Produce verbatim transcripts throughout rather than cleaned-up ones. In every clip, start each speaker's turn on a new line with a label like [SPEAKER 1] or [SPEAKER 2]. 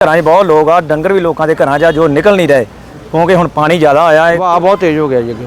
[SPEAKER 1] ਘਰਾਂ 'ਚ ਬਹੁਤ ਲੋਕ ਆ, ਡੰਗਰ ਵੀ ਲੋਕਾਂ ਦੇ ਘਰਾਂ 'ਚ ਆ ਜੋ ਨਿਕਲ ਨਹੀਂ ਰਹੇ ਕਿਉਂਕਿ ਹੁਣ ਪਾਣੀ ਜ਼ਿਆਦਾ ਆਇਆ ਹੈ।
[SPEAKER 2] ਵਹਾਅ ਬਹੁਤ ਤੇਜ਼ ਹੋ ਗਿਆ ਜੀ ਅੱਗੇ।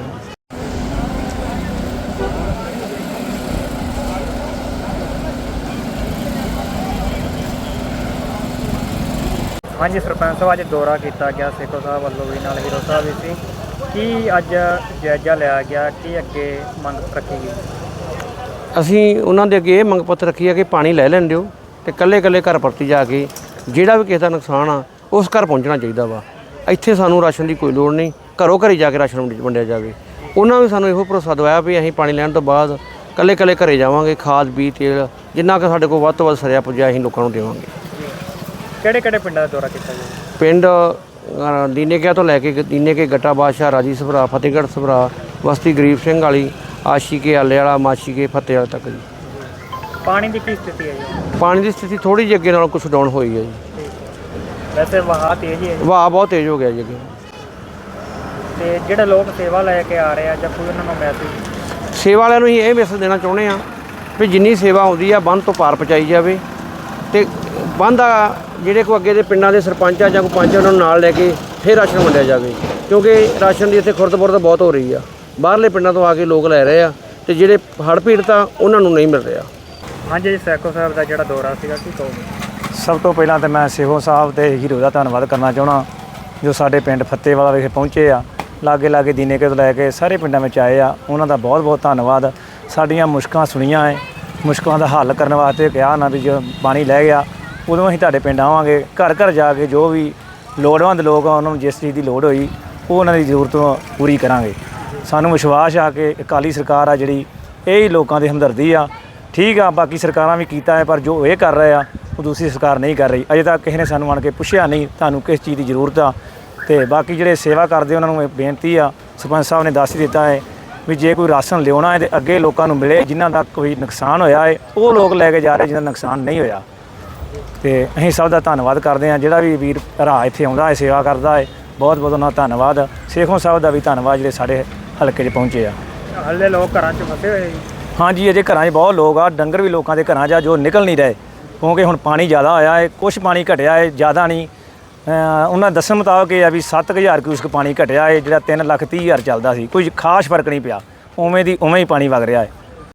[SPEAKER 3] ਹਾਂਜੀ ਸਰਪੰਚ ਸਾਹਿਬ, ਅੱਜ ਦੌਰਾ ਕੀਤਾ ਗਿਆ ਸੇਖੋਂ ਸਾਹਿਬ ਵੱਲੋਂ ਵੀ, ਨਾਲ ਹੀਰੋ ਸਾਹਿਬ ਵੀ ਸੀ। ਕੀ ਅੱਜ ਜਾਇਜ਼ਾ ਲਿਆ ਗਿਆ, ਕੀ ਅੱਗੇ ਮੰਗ ਰੱਖੀ ਗਈ?
[SPEAKER 2] ਅਸੀਂ ਉਹਨਾਂ ਦੇ ਅੱਗੇ ਇਹ ਮੰਗ ਪੱਤਰ ਰੱਖੀ ਹੈ ਕਿ ਪਾਣੀ ਲੈ ਲੈਣ ਦਿਓ ਅਤੇ ਇਕੱਲੇ ਇਕੱਲੇ ਘਰ ਪ੍ਰਤੀ ਜਾ ਕੇ ਜਿਹੜਾ ਵੀ ਕਿਸੇ ਦਾ ਨੁਕਸਾਨ ਆ ਉਸ ਘਰ ਪਹੁੰਚਣਾ ਚਾਹੀਦਾ ਵਾ। ਇੱਥੇ ਸਾਨੂੰ ਰਾਸ਼ਨ ਦੀ ਕੋਈ ਲੋੜ ਨਹੀਂ, ਘਰੋਂ ਘਰੀ ਜਾ ਕੇ ਰਾਸ਼ਨ ਵੰਡਿਆ ਜਾਵੇ। ਉਹਨਾਂ ਨੇ ਸਾਨੂੰ ਇਹੋ ਭਰੋਸਾ ਦਵਾਇਆ ਵੀ ਅਸੀਂ ਪਾਣੀ ਲੈਣ ਤੋਂ ਬਾਅਦ ਇਕੱਲੇ ਇਕੱਲੇ ਘਰੇ ਜਾਵਾਂਗੇ, ਖਾਦ ਬੀਜ ਤੇਲ ਜਿੰਨਾ ਕਿ ਸਾਡੇ ਕੋਲ ਵੱਧ ਤੋਂ ਵੱਧ ਸਰਿਆ ਪੁੱਜਿਆ ਅਸੀਂ ਲੋਕਾਂ ਨੂੰ ਦੇਵਾਂਗੇ।
[SPEAKER 3] ਕਿਹੜੇ ਕਿਹੜੇ ਪਿੰਡਾਂ ਦਾ ਦੌਰਾ ਕੀਤਾ ਗਿਆ?
[SPEAKER 2] ਪਿੰਡ ਦੀਨੇ ਕਿਆ ਤੋਂ ਲੈ ਕੇ ਦੀਨੇ ਕੇ ਗੱਟਾ ਬਾਦਸ਼ਾਹ, ਰਾਜੀ ਸਭਰਾ, ਫਤਿਹਗੜ੍ਹ ਸਭਰਾ, ਬਸਤੀ ਗਰੀਬ ਸਿੰਘ ਵਾਲੀ, ਆਸ਼ੀਕੇ ਆਲੇ ਵਾਲਾ, ਮਾਸ਼ੀਕੇ ਫਤਿਹ ਵਾਲੇ ਤੱਕ ਜੀ।
[SPEAKER 3] ਪਾਣੀ ਦੀ ਕੀ ਸਥਿਤੀ ਹੈ ਜੀ?
[SPEAKER 2] ਪਾਣੀ ਦੀ ਸਥਿਤੀ ਥੋੜ੍ਹੀ ਜਿਹੀ ਅੱਗੇ ਨਾਲੋਂ ਕੁਛ ਡਾਊਨ ਹੋਈ ਹੈ ਜੀ।
[SPEAKER 3] ਵੈਸੇ ਵਹਾਅ ਤੇਜ਼ ਹੀ ਹੈ ਜੀ।
[SPEAKER 2] ਵਹਾਅ ਬਹੁਤ ਤੇਜ਼ ਹੋ ਗਿਆ ਜੀ ਅੱਗੇ।
[SPEAKER 3] ਤੇ ਜਿਹੜੇ ਲੋਕ ਸੇਵਾ ਲੈ ਕੇ ਆ ਰਹੇ ਆ ਜਾਂ ਕੋਈ ਉਹਨਾਂ ਨੂੰ ਮੈਸੇਜ?
[SPEAKER 2] ਸੇਵਾ ਵਾਲਿਆਂ ਨੂੰ ਅਸੀਂ ਇਹ ਮੈਸੇਜ ਦੇਣਾ ਚਾਹੁੰਦੇ ਹਾਂ ਵੀ ਜਿੰਨੀ ਸੇਵਾ ਆਉਂਦੀ ਆ ਬੰਨ੍ਹ ਤੋਂ ਪਾਰ ਪਹੁੰਚਾਈ ਜਾਵੇ ਅਤੇ ਬੰਨ੍ਹ ਦਾ ਜਿਹੜੇ ਕੋਈ ਅੱਗੇ ਦੇ ਪਿੰਡਾਂ ਦੇ ਸਰਪੰਚ ਆ ਜਾਂ ਕੋਈ ਪੰਚ ਉਹਨਾਂ ਨੂੰ ਨਾਲ ਲੈ ਕੇ ਫਿਰ ਰਾਸ਼ਨ ਵੰਡਿਆ ਜਾਵੇ, ਕਿਉਂਕਿ ਰਾਸ਼ਨ ਦੀ ਇੱਥੇ ਖੁਰਦ-ਬੁਰਦ ਬਹੁਤ ਹੋ ਰਹੀ ਆ। ਬਾਹਰਲੇ ਪਿੰਡਾਂ ਤੋਂ ਆ ਕੇ ਲੋਕ ਲੈ ਰਹੇ ਆ ਅਤੇ ਜਿਹੜੇ ਹੜ੍ਹ ਪੀੜਤ ਆ ਉਹਨਾਂ ਨੂੰ ਨਹੀਂ ਮਿਲ ਰਿਹਾ।
[SPEAKER 3] ਹਾਂਜੀ ਜੀ, ਸੇਖੋਂ ਸਾਹਿਬ ਦਾ ਜਿਹੜਾ ਦੌਰਾ ਸੀਗਾ ਕੀ ਕਹੋਗੇ?
[SPEAKER 1] ਸਭ ਤੋਂ ਪਹਿਲਾਂ ਤਾਂ ਮੈਂ ਸੇਖੋਂ ਸਾਹਿਬ ਤੇ ਹੀਰੋ ਦਾ ਧੰਨਵਾਦ ਕਰਨਾ ਚਾਹੁੰਦਾ ਜੋ ਸਾਡੇ ਪਿੰਡ ਫੱਤੇਵਾਲਾ ਵਿਖੇ ਪਹੁੰਚੇ ਆ। ਲਾਗੇ ਲਾਗੇ ਦੀਨੇਕੇ ਤੋਂ ਲੈ ਕੇ ਸਾਰੇ ਪਿੰਡਾਂ ਵਿੱਚ ਆਏ ਆ, ਉਹਨਾਂ ਦਾ ਬਹੁਤ ਬਹੁਤ ਧੰਨਵਾਦ। ਸਾਡੀਆਂ ਮੁਸ਼ਕਲਾਂ ਸੁਣੀਆਂ ਹੈ, ਮੁਸ਼ਕਲਾਂ ਦਾ ਹੱਲ ਕਰਨ ਵਾਸਤੇ ਕਿਹਾ ਨਾ ਵੀ ਜੋ ਪਾਣੀ ਲੈ ਗਿਆ ਉਦੋਂ ਅਸੀਂ ਤੁਹਾਡੇ ਪਿੰਡ ਆਵਾਂਗੇ, ਘਰ ਘਰ ਜਾ ਕੇ ਜੋ ਵੀ ਲੋੜਵੰਦ ਲੋਕ ਆ ਉਹਨਾਂ ਨੂੰ ਜਿਸ ਚੀਜ਼ ਦੀ ਲੋੜ ਹੋਈ ਉਹ ਉਹਨਾਂ ਦੀ ਜ਼ਰੂਰਤ ਪੂਰੀ ਕਰਾਂਗੇ। ਸਾਨੂੰ ਵਿਸ਼ਵਾਸ ਆ ਕਿ ਅਕਾਲੀ ਸਰਕਾਰ ਆ ਜਿਹੜੀ ਇਹ ਹੀ ਲੋਕਾਂ ਦੀ ਹਮਦਰਦੀ ਆ। ਠੀਕ ਆ, ਬਾਕੀ ਸਰਕਾਰਾਂ ਵੀ ਕੀਤਾ ਹੈ ਪਰ ਜੋ ਇਹ ਕਰ ਰਹੇ ਆ ਉਹ ਦੂਸਰੀ ਸਰਕਾਰ ਨਹੀਂ ਕਰ ਰਹੀ। ਅਜੇ ਤੱਕ ਕਿਸੇ ਨੇ ਸਾਨੂੰ ਆਣ ਕੇ ਪੁੱਛਿਆ ਨਹੀਂ ਤੁਹਾਨੂੰ ਕਿਸ ਚੀਜ਼ ਦੀ ਜ਼ਰੂਰਤ ਆ। ਅਤੇ ਬਾਕੀ ਜਿਹੜੇ ਸੇਵਾ ਕਰਦੇ ਉਹਨਾਂ ਨੂੰ ਇਹ ਬੇਨਤੀ ਆ, ਸਰਪੰਚ ਸਾਹਿਬ ਨੇ ਦੱਸ ਹੀ ਦਿੱਤਾ ਹੈ ਵੀ ਜੇ ਕੋਈ ਰਾਸ਼ਨ ਲਿਆਉਣਾ ਹੈ ਤਾਂ ਅੱਗੇ ਲੋਕਾਂ ਨੂੰ ਮਿਲੇ। ਜਿਨ੍ਹਾਂ ਦਾ ਕੋਈ ਨੁਕਸਾਨ ਹੋਇਆ ਹੈ ਉਹ ਲੋਕ ਲੈ ਕੇ ਜਾ ਰਹੇ ਜਿਹਨਾਂ ਦਾ ਨੁਕਸਾਨ ਨਹੀਂ ਹੋਇਆ। ਅਤੇ ਅਸੀਂ ਸਭ ਦਾ ਧੰਨਵਾਦ ਕਰਦੇ ਹਾਂ। ਜਿਹੜਾ ਵੀ ਵੀਰ ਭਰਾ ਇੱਥੇ ਆਉਂਦਾ ਹੈ ਸੇਵਾ ਕਰਦਾ ਹੈ, ਬਹੁਤ ਬਹੁਤ ਉਹਨਾਂ ਦਾ ਧੰਨਵਾਦ। ਸੇਖੋਂ ਸਾਹਿਬ ਦਾ ਵੀ ਧੰਨਵਾਦ ਜਿਹੜੇ ਸਾਡੇ ਹਲਕੇ 'ਚ ਪਹੁੰਚੇ ਆ।
[SPEAKER 3] ਹਾਲੇ ਲੋਕ ਘਰਾਂ 'ਚ ਫਸੇ ਹੋਏ ਜੀ?
[SPEAKER 1] ਹਾਂਜੀ, ਅਜੇ ਘਰਾਂ 'ਚ ਬਹੁਤ ਲੋਕ ਆ, ਡੰਗਰ ਵੀ ਲੋਕਾਂ ਦੇ ਘਰਾਂ 'ਚ ਆ ਜੋ ਨਿਕਲ ਨਹੀਂ ਰਹੇ ਕਿਉਂਕਿ ਹੁਣ ਪਾਣੀ ਜ਼ਿਆਦਾ ਆਇਆ ਹੈ। ਕੁਛ ਪਾਣੀ ਘਟਿਆ ਹੈ, ਜ਼ਿਆਦਾ ਨਹੀਂ। ਉਹਨਾਂ ਦੱਸਣ ਮੁਤਾਬਕ ਇਹ ਆ ਵੀ ਸੱਤ ਕੁ ਹਜ਼ਾਰ ਕਿਊਸਕ ਪਾਣੀ ਘਟਿਆ ਹੈ, ਜਿਹੜਾ ਤਿੰਨ ਲੱਖ ਤੀਹ ਹਜ਼ਾਰ ਚੱਲਦਾ ਸੀ। ਕੋਈ ਖਾਸ ਫਰਕ ਨਹੀਂ ਪਿਆ, ਉਵੇਂ ਦੀ ਉਵੇਂ ਹੀ ਪਾਣੀ ਵਗ ਰਿਹਾ ਹੈ।